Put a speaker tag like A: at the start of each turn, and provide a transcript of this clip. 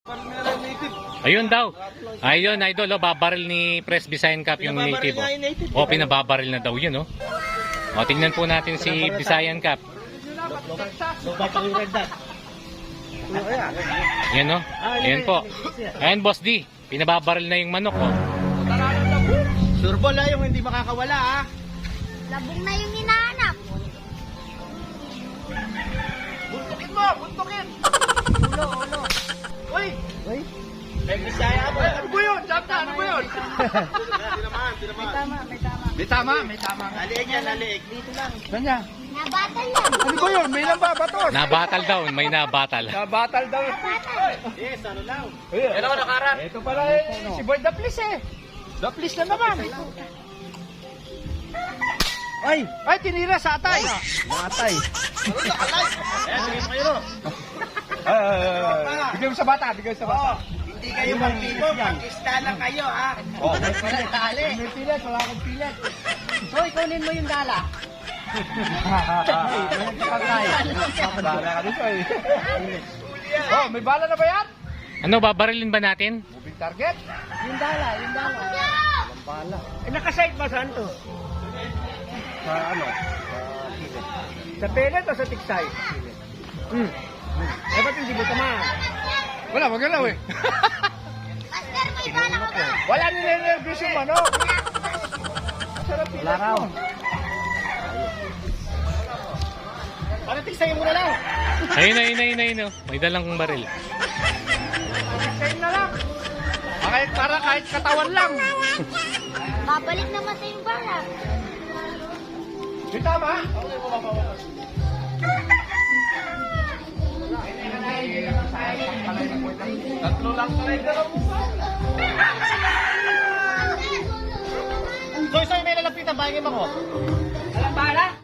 A: Ayun daw. Ayun, idol, oh, babaril ni Press Visayan Cup yung native. Oh, pinababaril na daw yun, oh. O, tingnan po natin si Visayan Cup. Yan, oh. Ayan po. Ayan, Boss D. Pinababaril na yung manok, oh.
B: Surbol ha, yung hindi makakawala ha.
C: Labong na yung hinahanap.
B: Buntukin mo, buntukin.
C: Ulo.
B: Uy! Uy! May Bisaya mo. Ano ba yun? Chapta, ano ba yun? May tama. Naliig yan, naliig. Dito lang. Saan yan?
C: Nabatal yan.
B: Ano ba yun? May nambabatos.
A: Nabatal daw, may nabatal.
B: Nabatal daw. Yes, ano lang. Ano ka nakarap? Ito pala si Boy Daplis eh. Daplis na naman. Ay, tinira sa atay. Atay. Ano nakalay? Sige mo kayo. Bigay mo sa bata, Hindi kayo magpilit, mag-ista lang kayo ha. May pilit, May pilit, wala akong pilit.
C: Hoy, kunin mo yung dala.
B: Oh, may bala na ba yan?
A: Ano, babarilin ba natin?
B: Moving target?
C: Yung dala.
B: Walang bala. Nakasite ba saan to? Sa ano? Sa pellet o sa tiksay? Ba't hindi mo tamaan? Wala, magalaw eh.
C: Master, may bala ko ba?
B: Wala nire-nervous yung manok. Sarap pilat. Wala raw. Para tiksayin mo na lang.
A: Ayun, oh. May dalang baril.
B: Tiksayin na lang. Para kahit katawan lang.
C: Babalik naman sa yung bala.
B: Di tama? Tatlo lang tayo dalaw mo ba? So, may nalapitan, bayangin mo ko. Alam ba?